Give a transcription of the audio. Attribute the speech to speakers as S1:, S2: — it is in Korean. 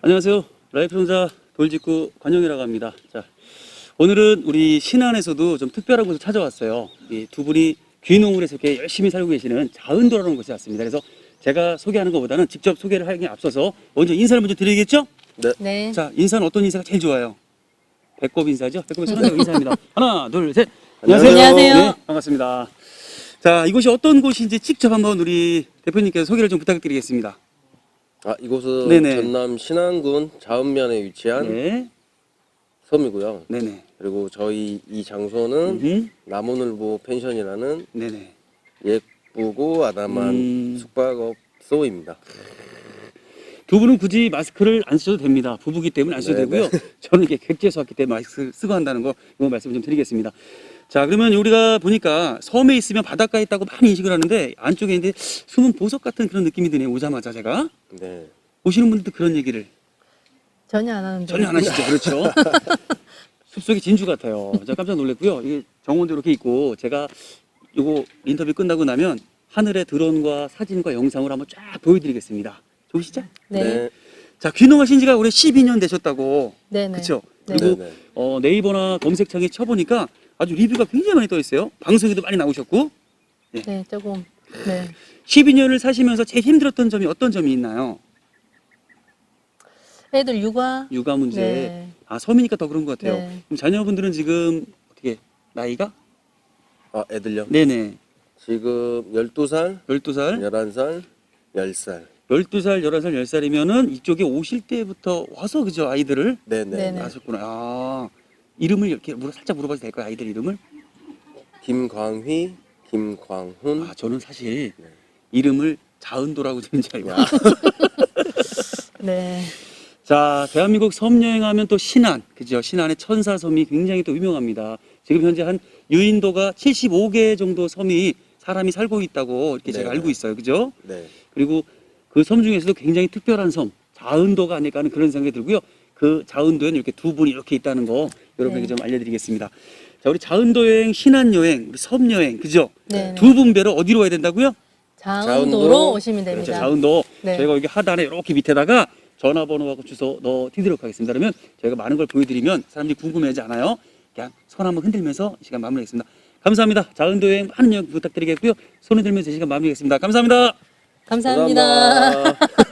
S1: 안녕하세요. 라이프 종자 돌직구 관영이라고 합니다. 자, 오늘은 우리 신안에서도 좀 특별한 곳을 찾아왔어요. 이 두 분이 귀농을 해서 이렇게 열심히 살고 계시는 자은도라는 곳에 왔습니다. 그래서 제가 소개하는 것보다는 직접 소개를 하기에 앞서서 먼저 인사를 먼저 드리겠죠?
S2: 네.
S3: 네.
S1: 자, 인사는 어떤 인사가 제일 좋아요? 배꼽 인사죠? 배꼽의 손안대고 인사입니다. 하나, 둘, 셋. 안녕하세요.
S3: 안녕하세요.
S1: 네, 반갑습니다. 자, 이곳이 어떤 곳인지 직접 한번 우리 대표님께서 소개를 좀 부탁드리겠습니다.
S2: 이곳은
S1: 네네.
S2: 전남 신안군 자은면에 위치한
S1: 네.
S2: 섬이고요.
S1: 네네.
S2: 그리고 저희 이 장소는
S1: 음흠.
S2: 남원을보 펜션이라는
S1: 네네.
S2: 예쁘고 아담한 숙박업소입니다.
S1: 두 분은 굳이 마스크를 안 쓰셔도 됩니다. 부부기 때문에 안 쓰셔도
S2: 네네.
S1: 되고요. 저는 이게 객지에서 왔기 때문에 마스크 쓰고 한다는 거 이거 말씀 좀 드리겠습니다. 자, 그러면 우리가 보니까 섬에 있으면 바닷가에 있다고 많이 인식을 하는데 안쪽에 있는데 숨은 보석 같은 그런 느낌이 드네요. 오자마자 제가.
S2: 네.
S1: 오시는 분들도 그런 얘기를
S3: 전혀 안 하는데.
S1: 전혀 안 하시죠. 그렇죠. 숲속의 진주 같아요. 제가 깜짝 놀랐고요. 이게 정원도 이렇게 있고 제가 요거 인터뷰 끝나고 나면 하늘의 드론과 사진과 영상을 한번 쫙 보여드리겠습니다. 좋으시죠?
S3: 네.
S1: 자, 귀농하신 지가 올해 12년 되셨다고.
S3: 네. 네.
S1: 그렇죠?
S3: 네.
S1: 그리고
S2: 네네.
S1: 네이버나 검색창에 쳐보니까 아주 리뷰가 굉장히 많이 떠 있어요. 방송에도 많이 나오셨고.
S3: 네, 조금. 네.
S1: 12년을 사시면서 제일 힘들었던 점이 어떤 점이 있나요?
S3: 애들 육아.
S1: 육아 문제.
S3: 네.
S1: 아, 섬이니까 더 그런 것 같아요.
S3: 네.
S1: 그럼 자녀분들은 지금 어떻게 나이가?
S2: 애들요?
S1: 네네.
S2: 지금 12살,
S1: 12살,
S2: 11살, 10살.
S1: 12살, 11살, 10살이면은 이쪽에 오실 때부터 와서 그죠? 아이들을
S2: 네네.
S3: 네네.
S1: 낳으셨구나. 아, 이름을 이렇게 살짝 물어봐도 될까요? 아이들 이름을?
S2: 김광휘, 김광훈.
S1: 아, 저는 사실
S2: 네.
S1: 이름을 자은도라고 되는 줄 알고.
S3: 네.
S1: 자, 대한민국 섬 여행하면 또 신안, 그죠? 신안의 천사섬이 굉장히 또 유명합니다. 지금 현재 한 유인도가 75개 정도 섬이 사람이 살고 있다고 이렇게 제가
S2: 네네.
S1: 알고 있어요. 그죠?
S2: 네.
S1: 그리고 그 섬 중에서도 굉장히 특별한 섬, 자은도가 아닐까 하는 그런 생각이 들고요. 그 자은도에는 이렇게 두 분이 이렇게 있다는 거 여러분에게
S3: 네.
S1: 좀 알려드리겠습니다. 자, 우리 자은도 여행, 신안 여행, 우리 섬 여행, 그죠?
S3: 네.
S1: 두 분배로 어디로 와야 된다고요?
S3: 자은도로
S2: 자은도.
S3: 오시면 됩니다.
S1: 그렇죠. 자은도.
S3: 네.
S1: 저희가 여기 하단에 이렇게 밑에다가 전화번호하고 주소 넣어드리도록 하겠습니다. 그러면 저희가 많은 걸 보여드리면 사람들이 궁금해하지 않아요. 그냥 손 한번 흔들면서 이 시간 마무리하겠습니다. 감사합니다. 자은도 여행 많은 여행 부탁드리겠고요. 손 흔들면서 이 시간 마무리하겠습니다. 감사합니다.
S3: 감사합니다.